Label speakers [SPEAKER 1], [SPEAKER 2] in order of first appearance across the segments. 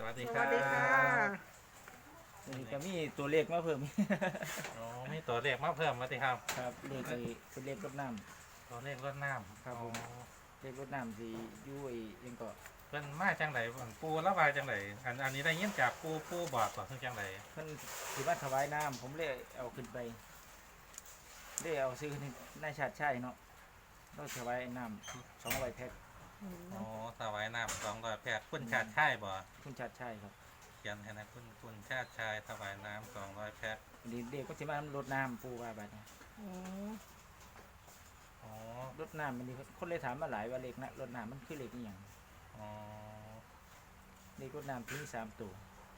[SPEAKER 1] วัสดี
[SPEAKER 2] ส
[SPEAKER 1] ครับ
[SPEAKER 2] วัสดีค่ะ
[SPEAKER 3] นี่ก็มีตัวเลขมาเพิ่ม
[SPEAKER 1] อ๋อมีตัวเลขมาเพิ่มมาสิครับ
[SPEAKER 3] ครับเลขไอ้เป็นเลขรถน้
[SPEAKER 1] ตัวเลขรถน้ำ
[SPEAKER 3] ครับผม
[SPEAKER 1] อ๋อ
[SPEAKER 3] ำเลขรถน้ำสีอยู่ไอ้ยังก็
[SPEAKER 1] เพิ่นมาจังไดปูระบายจังไดอันนี้ได้ยินจากปูบอกก่อนคือจังได
[SPEAKER 3] เพิ่นสิมาถวายน้ำผมเลยเอาขึ้นไปเลยเอาซื้อในนายชาติชัยเนาะเราถวายน้ำ200 แพ็ค
[SPEAKER 1] อ๋อถวายน้ำ200 แพ็คคุณชาติชายบ่
[SPEAKER 3] คุณชาติชัยครับ
[SPEAKER 1] เขียนให้นะคุณชาติชายถวายน้ำ200 แพ็ค
[SPEAKER 3] วันนี้เด็กก็สิมารดน้ำปูว่าบัดนี้
[SPEAKER 2] อืม
[SPEAKER 1] อ๋อ
[SPEAKER 3] รดน้ำมันนี่คนเลยถามมาหลายว่าเลขนะรดน้ำมันคือเลขอีหยัง
[SPEAKER 1] อ๋อ
[SPEAKER 3] เลขรดน้ำที่มี3ตัว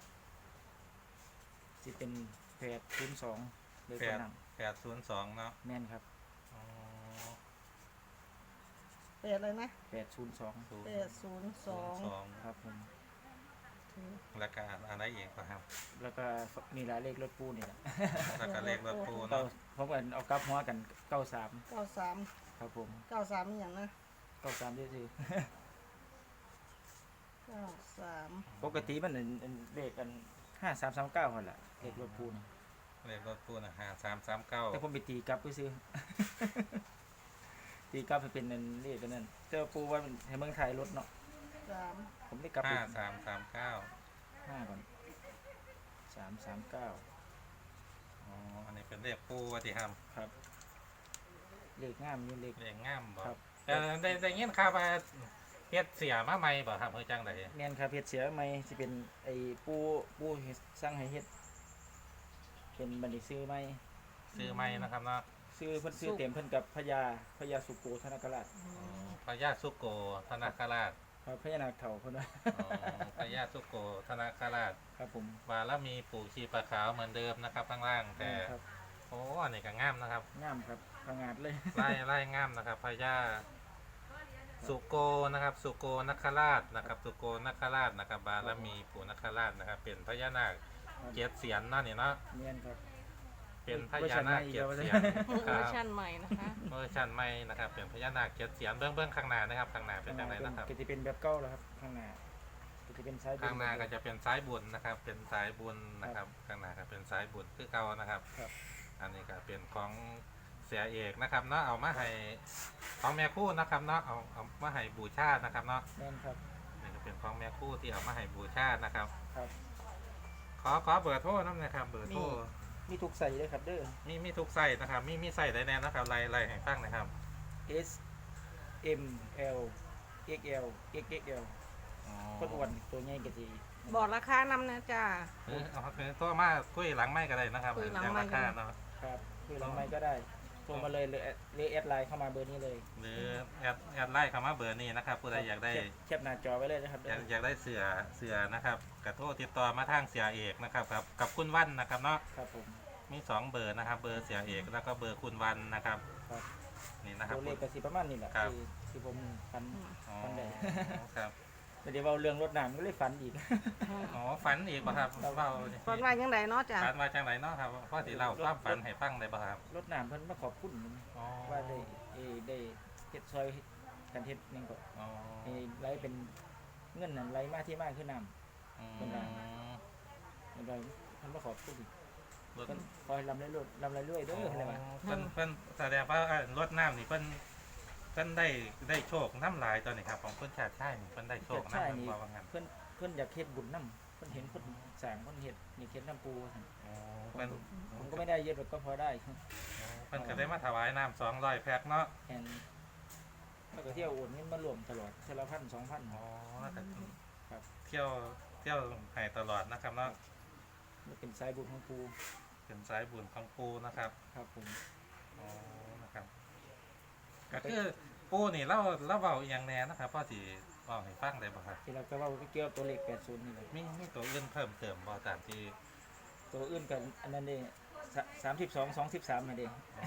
[SPEAKER 3] สิเป็น802เลขรดน้
[SPEAKER 1] 802เนาะ
[SPEAKER 3] ำแม่นครับ
[SPEAKER 1] อ๋อ
[SPEAKER 2] เป็ดเลยนะ
[SPEAKER 3] 802
[SPEAKER 1] 802
[SPEAKER 3] ครับผม
[SPEAKER 1] แล้วก็อะไรอีกบ่ครับ
[SPEAKER 3] แล้วก็มีหลายเลขรถปูนี่แหละ
[SPEAKER 1] แล้วก็เลขรถปู
[SPEAKER 3] เก้า
[SPEAKER 1] เนาะ
[SPEAKER 3] ผมก็เอากลับหัวกัน93
[SPEAKER 2] 93
[SPEAKER 3] ครับผม
[SPEAKER 2] 93อหย่างนะ
[SPEAKER 3] 93ซื่อ
[SPEAKER 2] 93
[SPEAKER 3] ปกติมันเป็นเลขกัน5339หั่นล่ะเลขรถปูนี่
[SPEAKER 1] เลขรถปูน่ะ
[SPEAKER 3] แต่ผม
[SPEAKER 1] 5339
[SPEAKER 3] ไปตีกลับไปซื้อ ตีกลับให้เป็นนั่นเลขกันนั่นแต่ว่าปูว่ามันให้เมืองไทยรถเนาะ
[SPEAKER 2] 3
[SPEAKER 3] ผมได้กลับไป
[SPEAKER 1] 5339
[SPEAKER 3] 5ก่อน339
[SPEAKER 1] อ๋อ อันนี้เป็นเลขปูว่าที่ท
[SPEAKER 3] ครับเลขงามอยู่เลข
[SPEAKER 1] ำเลขง่ามบ่
[SPEAKER 3] ครับ
[SPEAKER 1] ได้ยินข่าวว่าเฮ็ดเสียมาใหม่บ่ครับเฮ้ยจังได
[SPEAKER 3] แม่นครับเฮ็ดเสียใหม่สิเป็นไอ้ปูเฮ็ดสร้างให้เฮ็ดเป็นบัดนี้ซื้อใหม่
[SPEAKER 1] ซื้อใหม่นะครับเนาะ
[SPEAKER 3] ซื้อเพิ่นซื้อเต็มเพิ่นกับพญาสุโกธนกราช
[SPEAKER 1] อ๋อพญาสุโกธนาคราช
[SPEAKER 3] ครับพญานาคเฒ่าเพิ่นว่า
[SPEAKER 1] อ๋อพญาสุโกธนาคราช
[SPEAKER 3] ครับผม
[SPEAKER 1] บารมีปู่ชีปะขาวเหมือนเดิมนะครับข้างล่างแต่
[SPEAKER 3] ครับ
[SPEAKER 1] โอ้อันนี้ก็งามนะครับ
[SPEAKER 3] งามครับผงาดเลย
[SPEAKER 1] ไล่งามนะครับพญาสุโกนะครับสุโกนคราชนะครับสุโกนคราชนะครับบารมีปู่นคราชนะครับ เป็นพญานาคเจ็ดเสียนเนาะนี่เนาะ
[SPEAKER 3] เนียนครับ
[SPEAKER 1] เป็นพญานาคเจ็ดเสียน
[SPEAKER 2] เว
[SPEAKER 1] ค
[SPEAKER 2] อ
[SPEAKER 1] รับ
[SPEAKER 2] ร์ชันใหม่นะคะ
[SPEAKER 1] เวอร์ชันใหม่นะครับเป็นพญานาคเจ็ดเสียนเบื้องข้างหน้านะครับข้างหน้าเป็นจังไรนะครับ
[SPEAKER 3] ก็จะเป็นแบบเก่าแล้วครับข้างหน้าก็จะเป็นซ้ายบน
[SPEAKER 1] ข้างหน้าก็จะเป็นสายบุญนะครับ เป็นสายบุญนะครับข้างหน้าก็เป็นสายบุญคือเก่านะครับ
[SPEAKER 3] ครับ
[SPEAKER 1] อันนี้ก็เป็นของเสียเอกนะครับเนาะเอามาให้ของแม่คู่นะครับเนาะเอามาให้บูชานะครับเนาะ
[SPEAKER 3] แม่นครับ
[SPEAKER 1] นี่ก็เป็นของแม่คู่ที่เอามาให้บูชานะครับ
[SPEAKER 3] ครับ
[SPEAKER 1] ขอเบอร์โทรน้ำนะครับเบอร์โทร
[SPEAKER 3] มีทุกใส่เลยครับเด้อ
[SPEAKER 1] มีทุกไส้นะครับมีไส้ใดแน่นะครับไล่ให้ฟังนะครับ
[SPEAKER 3] S M L XL XXL
[SPEAKER 1] อ๋อ
[SPEAKER 3] คนอ้วนตัวใหญ่ก็สิ
[SPEAKER 2] บอกราคานำนะจ้า
[SPEAKER 1] เอาโทรมาคุยหลังไม่ก็ได้นะครับ
[SPEAKER 2] คุยหลัง
[SPEAKER 1] อย่าง
[SPEAKER 2] ไมค์
[SPEAKER 1] รา
[SPEAKER 2] ก็
[SPEAKER 1] คา
[SPEAKER 2] ได้
[SPEAKER 1] เนาะ
[SPEAKER 3] ครับคือหลังไมค์ก็ได้โทรมาเลยหรือแอดไลน์เข้ามาเบอร์นี้เลย
[SPEAKER 1] หรือแอดไลน์คำว่าเบอร์นี้นะครับผู้ใดอยากได้
[SPEAKER 3] แคปหน้าจอไว้เลยนะครับ
[SPEAKER 1] อยากได้เสือนะครับกระโทรติดต่อมาทางเสียเอกนะครับกับคุณวันนะครับเนาะ
[SPEAKER 3] ครับผม
[SPEAKER 1] มี2เบอร์นะครับ เบอร์เสียเอกแล้วก็เบอร์คุณวันนะครับ
[SPEAKER 3] ครับ
[SPEAKER 1] นี่นะครับ
[SPEAKER 3] ตัวเลขก็สิประมาณนี้แหละ
[SPEAKER 1] ครับ
[SPEAKER 3] ที่ผมฟัน
[SPEAKER 1] อ๋อ
[SPEAKER 3] ฟันได้
[SPEAKER 1] ครับ
[SPEAKER 3] แต่เดี๋ยวเอาเรื่องรถน้ำก็เลยฟันอีก
[SPEAKER 1] อ๋อฝันอีกป่ะครับเล่า
[SPEAKER 2] ฝันว่ายังไงเนาะจ้า
[SPEAKER 1] ฝันมาจากไหนเนาะครับพ่อสิเล่าความฝันให้ฟังได้ป่ะครับ
[SPEAKER 3] รถน้ำเพิ่นมาขอบคุณ
[SPEAKER 1] อ๋อ
[SPEAKER 3] ว่าได้เฮ็ดซอยกันเฮ็ดหยังก็
[SPEAKER 1] อ๋อ
[SPEAKER 3] ให้ไหลเป็นเงินนั่นไหลมาที่มาคือน้
[SPEAKER 1] อืม
[SPEAKER 3] เป็นไร ำมันได้เพิ่นมาขอบคุณอีก
[SPEAKER 1] รถ
[SPEAKER 3] เพิ่นขอให้ลำเรื่อยๆเด้ออะไรว่า
[SPEAKER 1] เพิ่นแสดงว่ารถน้ำนี่เพิ่นได้โชคน้ำลายตอนนี้ครับของคุณชาติชายนี่เพิ่นได้โชค
[SPEAKER 3] ใช่
[SPEAKER 1] น้ำ
[SPEAKER 3] นี่
[SPEAKER 1] ว่างั้น
[SPEAKER 3] เพิ่นอยากเฮ็ดบุญนำเพิ่นเห็นคนสร้างเพิ่นเฮ็ดนี่เฮ็ดน้ำปูซั่น
[SPEAKER 1] อ๋อเพิ่น
[SPEAKER 3] ผมก็ไม่ได้เยอะหรอกก็พอได้
[SPEAKER 1] เพิ่นก็ได้มาถวายน้ำ200 แพ็คเนาะ
[SPEAKER 3] แอนแล้วก็เที่ยวโอนเงินมารวมตลอดเทอละ1,000 2,000
[SPEAKER 1] อ๋อแล้วก็
[SPEAKER 3] ครับ
[SPEAKER 1] เที่ยวให้ตลอดนะครับเนาะ
[SPEAKER 3] มันเป็นสายบุญของปู
[SPEAKER 1] เป็นสายบุญของปูนะครับ
[SPEAKER 3] ครับผม
[SPEAKER 1] อ๋อนะครับก็คือปูนี่เล่าเบาอหย่างแน่นะครับพ่อสิบอกให้ฟังได้บ่ครับ
[SPEAKER 3] ที่เราก็เว่าเกี่ยวกับตัวเลข80นี่แหละ
[SPEAKER 1] มีตัวอื่นเพิ่มเติมบ่ตามที่
[SPEAKER 3] ตัวอื่นกันอันนั้นเด้32 23นั่นเด้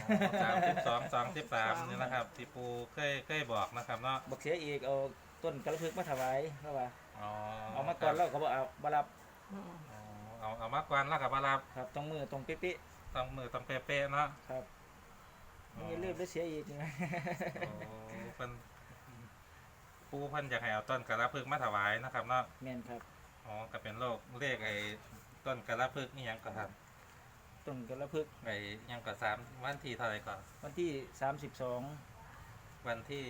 [SPEAKER 1] 32 23นี่นะครับที่ปูเคยบอกนะครับเนาะ
[SPEAKER 3] บักเสียอีกเอาต้นกระพึกมาถวายเพราะว่า
[SPEAKER 1] อ๋อ
[SPEAKER 3] เอามาก่อนแล้วก็บ่เอาบ่รับ
[SPEAKER 1] อ๋อเอามากวนแล้วกับมารับ
[SPEAKER 3] ครับต้องมือตรงเป๊ะ
[SPEAKER 1] ต้องมือต้องเป๊ะๆเนาะ
[SPEAKER 3] ๆครับไม่งั้นลืมแล้วเสียอีกนะ
[SPEAKER 1] โอ้เพิ่นปูเพิ่นอยากให้เอาต้นกระพึกมาถวายนะครับเนาะ
[SPEAKER 3] แม่นครับ
[SPEAKER 1] อ๋อก็เป็นโรคเลขไอ้ต้นกระพึกนี่ยังก็ครับ
[SPEAKER 3] ต้นกระพึก
[SPEAKER 1] ไอ้ยังก็วันที่เท่าไหร่ก่อน
[SPEAKER 3] วันที่32
[SPEAKER 1] วันที่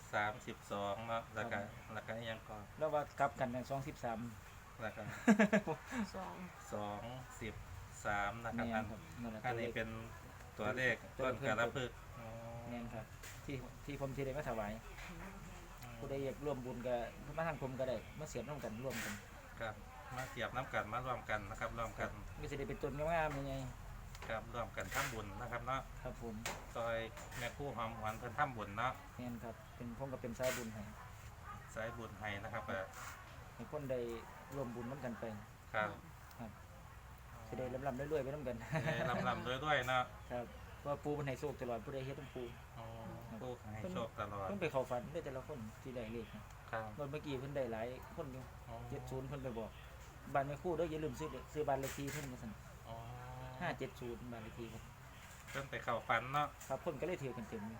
[SPEAKER 1] 32เนาะแล้วก็ยังก็
[SPEAKER 3] แล้วว่ากลับกันใน213
[SPEAKER 1] แล้วก็
[SPEAKER 2] สอง
[SPEAKER 1] 213นะครับ
[SPEAKER 3] แม่นครับนั่นแหละ
[SPEAKER 1] อันนี้เป็นตัวเลขต้นกระพึกอ๋อ
[SPEAKER 3] แม่นครับที่ผมสิได้มาถวายผู้ใดอยากร่วมบุญก็มาทางผมก็ได้มาเสียบร่วมกันร่วมกัน
[SPEAKER 1] ครับมาเสียบน้ำกันมารวมกันนะครับรวมกัน
[SPEAKER 3] ก็สิได้เป็นต้นงามๆยังไง
[SPEAKER 1] ครับรวมกันทำบุญนะครับเนาะ
[SPEAKER 3] ครับผม
[SPEAKER 1] ซอยแม่ครู่หอมหวานเพิ่นทำบุญเนาะ
[SPEAKER 3] แม่นครับเป็นผมก็เป็นสายบุญให้
[SPEAKER 1] สายบุญให้นะครับ
[SPEAKER 3] ให้คนได้ร่วมบุญนํกันไป
[SPEAKER 1] ครับ
[SPEAKER 3] สิได้ลำๆรวยๆไปนํกัน
[SPEAKER 1] ลำด้วยเนาะ
[SPEAKER 3] ครับว่าปูมันให้โชคตลอดผู้ใดเฮ็ดต้องปู
[SPEAKER 1] อ๋อผู้ให้โชคตลอด
[SPEAKER 3] เพิ่นไปเข้าฝันได้แต่ละคนที่ได้เลขนะครับ เมื่อกี้เพิ่นได้หลายคนอยู่
[SPEAKER 1] อ๋อ
[SPEAKER 3] 70เพิ่นไปบอกบ้านแม่ครู่เด้ออย่าลืมซื้อบ้านเลขที่เพิ่นว่าซั่น
[SPEAKER 1] อ๋อ
[SPEAKER 3] 570บ้านเลขที่เพิ่น
[SPEAKER 1] เพิ่นไปเข้าฝันเนาะ
[SPEAKER 3] ครับเพิ่นก็เลยถือกันเต็มอยู่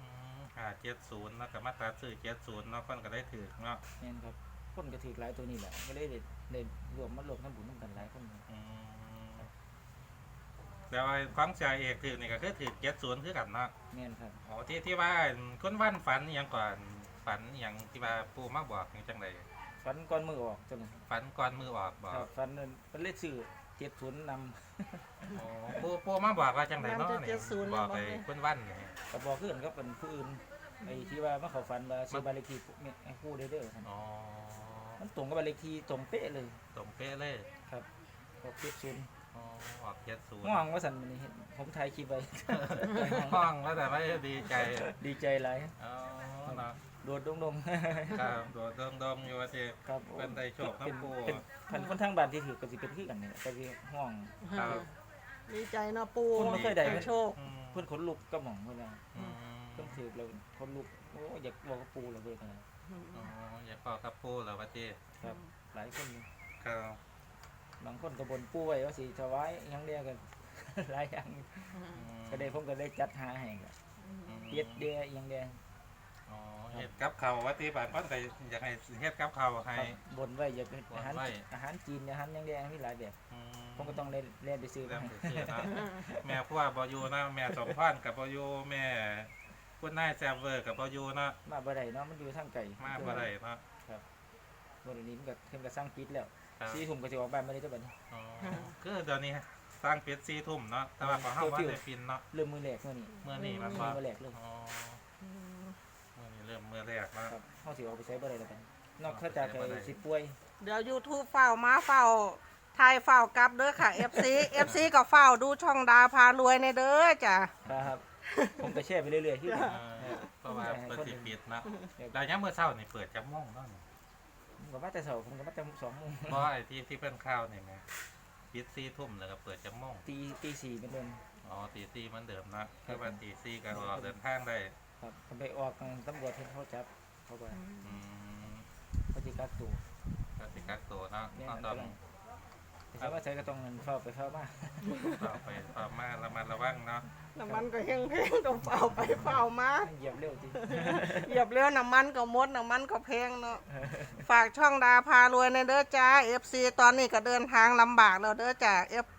[SPEAKER 1] 570แล้วก็มาตัดซื้อ70เนาะเพิ่นก็ได้ถือเนาะ
[SPEAKER 3] แม่นครับคนก็ถือหลายตัวนี้แหละก็เลยได้รวมทำบุญนํกันหลายคนอยู่
[SPEAKER 1] อืมแต่ว่าของเสียเอกถือนี่ก็คือถือ70คือกันเนาะ
[SPEAKER 3] แม่นครับ
[SPEAKER 1] อ๋อที่ว่าคนวันฝันอหยังก่อนฝันอหยังที่ว่าปู่มาบอกนี่จังได
[SPEAKER 3] ฝันก่อนมือออกจัง
[SPEAKER 1] ฝันก่อนมือออกบอก
[SPEAKER 3] ครับฝันนั่นเป็นเลขชื่อ70นำ
[SPEAKER 1] อ๋อปู่มาบอกว่าจังไดเนาะนี่บอกไอ้คนวันนี่
[SPEAKER 3] ก็บอกคือกันกับเป็นผู้อื่นไอ้ที่ว่ามาเข้าฝันว่าซื้อบ้านเลขที่ให้ครู่เด้อๆครับ
[SPEAKER 1] อ๋อ
[SPEAKER 3] มันตรงกับบ้านเลขที่ตรงเป๊ะเลย
[SPEAKER 1] ตรงเป๊ะเลย
[SPEAKER 3] ครับบอก70
[SPEAKER 1] อ๋อออก70
[SPEAKER 3] ง่วงว่าซั่นมื้อนี้เห็นผมถ่ายคลิปไว้
[SPEAKER 1] ห้องแล้วแต่ว่าดีใจ
[SPEAKER 3] ดีใจหลาย
[SPEAKER 1] อ๋อเนาะ
[SPEAKER 3] โดดดง
[SPEAKER 1] ครับโดดดมอยู่ว่าสิ
[SPEAKER 3] ๆครับ
[SPEAKER 1] เป็นได้โชคทั้งคู่
[SPEAKER 3] เป็นพันคนทางบ้านที่ถือก็สิเป็นคือกันนี่แหละก็สิห้อง
[SPEAKER 1] ครับ
[SPEAKER 2] ดีใจเนาะปู
[SPEAKER 3] คนบ่เคยได้
[SPEAKER 2] ให้โชค
[SPEAKER 1] อืม
[SPEAKER 3] เพิ่นขนลุกกับหม่องเพิ่นว่า
[SPEAKER 1] อืม
[SPEAKER 3] เพิ่นถือแล้วขนลุกโอ้อยากบอกกับปู่แล้วเพิ่นนะ
[SPEAKER 1] อ๋ออย่าบอกกับปู่แล้วว่าสิ
[SPEAKER 3] ครับ หลายคนอยู่
[SPEAKER 1] ครับ
[SPEAKER 3] บางคนก็บ่นปู่ไว้ว่าสิถวายหยังเดียวกัน หลายอย่างอยู่
[SPEAKER 1] อืม
[SPEAKER 3] ก็ได้ผมก็ได้จัดหาให้ก็
[SPEAKER 1] อืม
[SPEAKER 3] เฮ็ดเดียหยังเดีย
[SPEAKER 1] อ๋อเฮ็ดกับข้าวว่าสิบาดเพิ่นก็อยากให้เฮ็ดกับข้าวให้
[SPEAKER 3] ครับบ่นไว้อยากเฮ็ดอาหาร
[SPEAKER 1] บ่นไว้
[SPEAKER 3] อาหารจีนอาหารหยังเดียมีหลายแบบ
[SPEAKER 1] อืม
[SPEAKER 3] ผมก็ต้องได้เรียนไปซื้อ
[SPEAKER 1] เริ่
[SPEAKER 3] มาม ให้
[SPEAKER 1] ไปซื้อเนาะแม่พัวบ่อยู่นะแม่สมพรกับบ่อยู่แม่คุณนายแซมเวอร์กับบ่อยู่เนาะ
[SPEAKER 3] มาบ่ได้เนาะมันอยู่ทางไกล
[SPEAKER 1] มาบ่ได้เนาะ
[SPEAKER 3] บ่ได้นี้มันก็เพิ่นก็สร้างปิดแล้ว
[SPEAKER 1] ครับ
[SPEAKER 3] 4ทุ่มก็สิออกบ้านบ่ได้ตัวบัดนี้
[SPEAKER 1] อ๋อคือเดี๋ยวนี้สร้างเป็ด4ทุ่มเนาะแต่ว่าของเฮาว่าได้ปินเนาะ
[SPEAKER 3] เริ่มมื้อแรกมื้อนี้
[SPEAKER 1] เมื่อนี้มัน
[SPEAKER 3] มื้
[SPEAKER 1] บ่
[SPEAKER 3] อแรกเลย
[SPEAKER 1] อ๋อเมื่อนี้เริ่มมื้อแรกเนาะ
[SPEAKER 3] ครับเฮาสิออกไปใช้บ่ได้แล้วบัดนี้นอกจากไอ้สิป่วย
[SPEAKER 2] เดี๋ยว YouTube เฝ้ามาเฝ้าไทยเฝ้ากลับเด้อค่ะ FC ก็เฝ้าดูช่องดาพารวยในเด้อจ้ะ
[SPEAKER 3] ครับ ผมก็แชร์ไปเรื่อยๆคือกัน
[SPEAKER 1] เพราะว่าเปิดสิปิดเนาะแล้วยามมื้อเช้านี่เปิดจักโมงเนาะ
[SPEAKER 3] ผมก็มาแต่เช้าผมก็มาแต่2:00น
[SPEAKER 1] เพราะไอ้ที่เพิ่นข่าวนี่แหมปิด4ทุ่มแล้วก็เปิดจักโมง
[SPEAKER 3] ตี4เป็นเดิม
[SPEAKER 1] อ๋อตี4เหมือนเดิมเนาะคือว่าตี4ก็ออกเดินทางได้
[SPEAKER 3] ครับผมไปออกตำรวจเห็นเขาจับเขาก็
[SPEAKER 1] อืม
[SPEAKER 3] เขาสิกักตัว
[SPEAKER 1] ก็สิกักตัวเนาะ
[SPEAKER 3] เนี่ย
[SPEAKER 1] ต้อง
[SPEAKER 3] แต่ถ้าว่าใช้ก็ต้องเงินเข้าไปเข้ามา
[SPEAKER 1] ต่อไปต่อมาระมัดระวังเนาะ
[SPEAKER 2] น้ำมันก็แห้งๆต้องเฝ้าไปเฝ้ามา
[SPEAKER 3] เหยียบเร็วจริง
[SPEAKER 2] เหยียบเร็วน้ำมันก็หมดน้ำมันก็แพงเนาะฝากช่องดาพารวยในเด้อจ้า FC ตอนนี้ก็เดินทางลำบากแล้วเด้อจ้า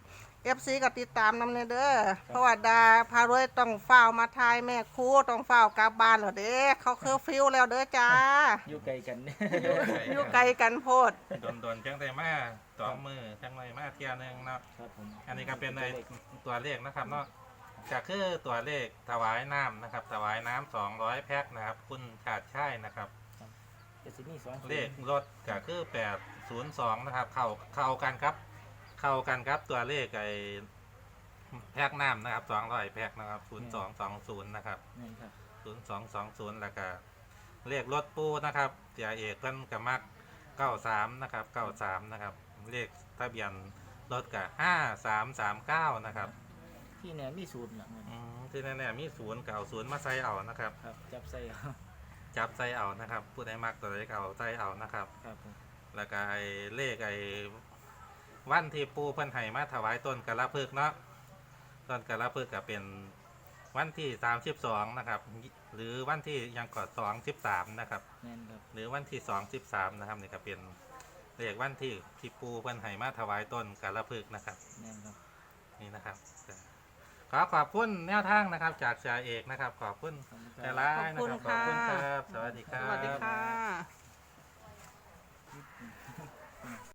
[SPEAKER 2] FC ก็ติดตามนำในเด้อเพราะว่าดาพารวยต้องเฝ้ามาทายแม่ครูต้องเฝ้ากลับบ้านแล้วเด้เขาเคอร์ฟิวแล้วเด้อจ้า
[SPEAKER 3] อยู่ไกลกัน
[SPEAKER 2] อยู่ไกลกันโพด
[SPEAKER 1] โดนจังได้มา2มื้อจังไรมาเที่ยหนึงเนาะ
[SPEAKER 3] ครับผม
[SPEAKER 1] อันนี้ก็เป็นในตัวเลขนะครับเนาะก็คือตัวเลขถวายน้ำนะครับถวายน้ำ200แพ็คนะครับคุณชาติชัยนะครับ
[SPEAKER 3] จะสิมี2
[SPEAKER 1] เลขรถก็คือ802นะครับเข้ากันครับตัวเลขไอ้แพ็คน้ำนะครับ200แพ็คนะครับ0220นะครับ
[SPEAKER 3] นี่ครับ
[SPEAKER 1] 0220แล้วก็เลขรถปูนะครับเสียเอกเพิ่นก็มัก93นะครับ93นะครับเลขทะเบียนรถก็5339นะครับ
[SPEAKER 3] ที่เนี่ยมีศูนย์น่ะ
[SPEAKER 1] ที่แน่ๆมี0ก็เอา0มาใส่เอานะครับ
[SPEAKER 3] ครับจับใส่เอา
[SPEAKER 1] จับใส่เอานะครับผู้ใดมักตัวใดก็เอาใส่เอานะครับ
[SPEAKER 3] ครับผม
[SPEAKER 1] แล้วก็ไอ้เลขไอ้วันที่ปูเพิ่นให้มาถวายต้นกระพึกเนาะต้นกระพึกก็เป็นวันที่32นะครับหรือวันที่ยังก่อน23นะครับ
[SPEAKER 3] แม่นครับ
[SPEAKER 1] หรือวันที่23นะครับนี่ก็เป็นเลขวันที่ปูเพิ่นให้มาถวายต้นกาลพฤกษ์นะครับ
[SPEAKER 3] แม่นครับ
[SPEAKER 1] นี่นะครับขอบคุณแนวทางนะครับ จากจ่าเอกนะครับ ขอบคุณ
[SPEAKER 3] ขอบคุณค
[SPEAKER 1] แต่
[SPEAKER 3] รับ
[SPEAKER 1] ละนะครับขอบคุณครับ สวัสดีค
[SPEAKER 2] ส
[SPEAKER 1] รับ
[SPEAKER 2] วัสดีค่ะ